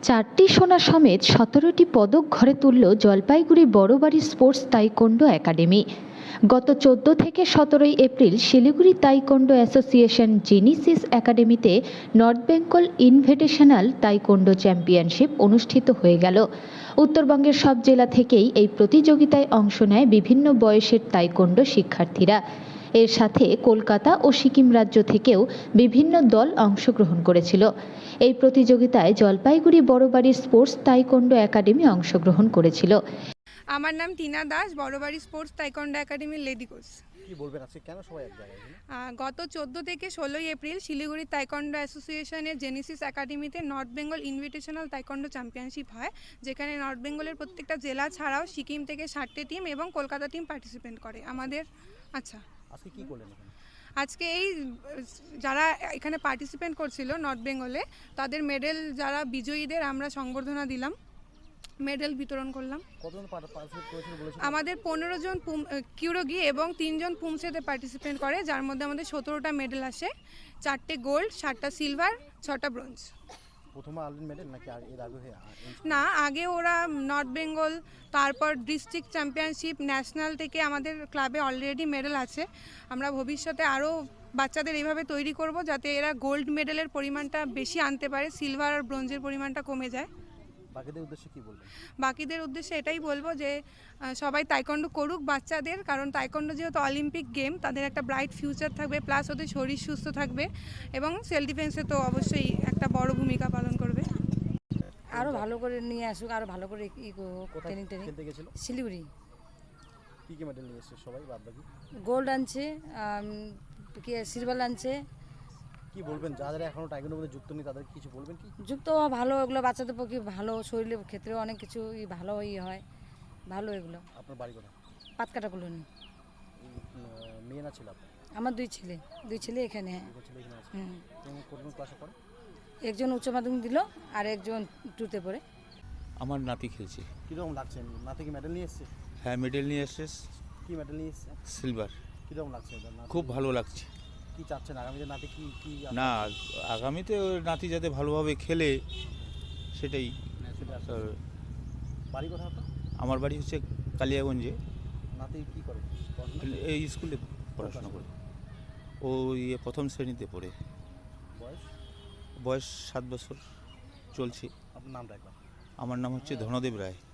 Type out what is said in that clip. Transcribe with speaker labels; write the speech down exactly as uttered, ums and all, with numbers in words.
Speaker 1: চারটি সোনা সমেত সতেরোটি পদক ঘরে তুলল Jalpaiguri Barobari sports taekwondo academy. গত চোদ্দ থেকে সতেরোই April Siliguri taekwondo association Genesis একাডেমিতে north Bengal invitational taekwondo championship অনুষ্ঠিত হয়ে গেল। উত্তরবঙ্গের সব জেলা থেকেই এই প্রতিযোগিতায় অংশ নেয় বিভিন্ন বয়সের তাইকোন্ডো শিক্ষার্থীরা। এর সাথে কলকাতা ও সিকিম রাজ্য থেকেও বিভিন্ন দল অংশগ্রহণ করেছিল। এই প্রতিযোগিতায় Jalpaiguri Barobari sports taekwondo academy অংশগ্রহণ করেছিল।
Speaker 2: আমার নাম টিনা দাস, বড়বাড়ি স্পোর্টস তাইকোন্ডো একাডেমির লেডি কোচ।
Speaker 3: কি বলবেন আজকে কেন সবাই এক জায়গায়?
Speaker 2: গত চোদ্দ থেকে ষোলোই এপ্রিল শিলিগুড়ি তাইকোন্ডো অ্যাসোসিয়েশনের জেনিসিস একাডেমিতে north Bengal invitational taekwondo championship হয়, যেখানে নর্থ বেঙ্গলের প্রত্যেকটা জেলা ছাড়াও সিকিম থেকে ষাটটি টিম এবং কলকাতা টিম পার্টিসিপেট করে। আমাদের আচ্ছা
Speaker 3: আজকে কি করলেন?
Speaker 2: আজকে এই যারা এখানে পার্টিসিপেট করছিল নর্থ বেঙ্গলে, তাদের মেডেল যারা বিজয়ীদের আমরা সংবর্ধনা দিলাম, মেডেল বিতরণ করলাম। আমাদের পনেরো জন কিউরোগি এবং তিনজন পুমসেতে পার্টিসিপেট করে, যার মধ্যে আমাদের সতেরোটা মেডেল আসে, চারটে গোল্ড, সাতটা সিলভার, ছটা ব্রোঞ্জ। না, আগে ওরা নর্থ বেঙ্গল, তারপর ডিস্ট্রিক্ট চ্যাম্পিয়নশিপ, ন্যাশনাল থেকে আমাদের ক্লাবে অলরেডি মেডেল আছে। আমরা ভবিষ্যতে আরও বাচ্চাদের এইভাবে তৈরি করব যাতে এরা গোল্ড মেডেলের পরিমাণটা বেশি আনতে পারে, সিলভার আর ব্রোঞ্জের পরিমাণটা কমে যায়।
Speaker 3: বাকিদের উদ্দেশ্যে কি বলবেন?
Speaker 2: বাকিদের উদ্দেশ্যে এটাই বলবো যে সবাই তাইকোন্ডো করুক বাচ্চাদের, কারণ তাইকোন্ডো যেহেতু অলিম্পিক গেম, তাদের একটা ব্রাইট ফিউচার থাকবে, প্লাস ওদের শরীর সুস্থ থাকবে এবং সেলফ ডিফেন্সে তো অবশ্যই একটা বড় ভূমিকা পালন করবে।
Speaker 4: আরও ভালো করে নিয়ে আসুক, আরও ভালো করে ই ট্রেনিং ট্রেনিং শিলিগুড়ি।
Speaker 3: কি কি মেডেল নিয়ে এসেছে সবাই? বাদ বাকি
Speaker 4: গোল্ড আনছে, কি সিলভার আনছে।
Speaker 3: কি বলবেন যারা এখনো টাইকোন্ডোর মধ্যে যুক্ত নেই, তাদের কিছু বলবেন কি?
Speaker 4: যুক্ত ভালো, এগুলো বাচ্চাদের পক্ষে ভালো, শরীরের ক্ষেত্রেও অনেক কিছু ভালো ই হয়, ভালো এগুলো।
Speaker 3: আপনার বাড়ি কোথায়?
Speaker 4: পাতকাটা কলোনি।
Speaker 3: মেয়ে না ছিল আপনার?
Speaker 4: আমার দুই ছেলে, দুই ছেলে এখানে। হ্যাঁ,
Speaker 3: কোন ক্লাসে পড়ে?
Speaker 4: একজন উচ্চ মাধ্যমিক দিল আর একজন টুতে পড়ে।
Speaker 5: আমার নাতি খেলছে।
Speaker 3: কীরকম লাগছে? নাতি কি মেডেল নিয়ে এসছে?
Speaker 5: হ্যাঁ, মেডেল নিয়ে এসছে।
Speaker 3: কি মেডেল নিয়ে এসছে?
Speaker 5: সিলভার।
Speaker 3: কীরকম লাগছে?
Speaker 5: খুব ভালো লাগছে।
Speaker 3: কি চাচ্ছেন আগামীতে নাতি কি কি?
Speaker 5: না, আগামীতে নাতি যাতে ভালোভাবে খেলে সেটাই।
Speaker 3: বাড়ি কোথায় আপনার?
Speaker 5: আমার বাড়ি হচ্ছে কালিয়াগঞ্জে।
Speaker 3: নাতি কি করে?
Speaker 5: এই স্কুলে পড়াশোনা করে। ও ইয়ে প্রথম শ্রেণীতে পড়ে।
Speaker 3: বয়স?
Speaker 5: বয়স সাত বছর চলছে।
Speaker 3: আপনার নামটা একবার?
Speaker 5: আমার নাম হচ্ছে ধনদেব রায়।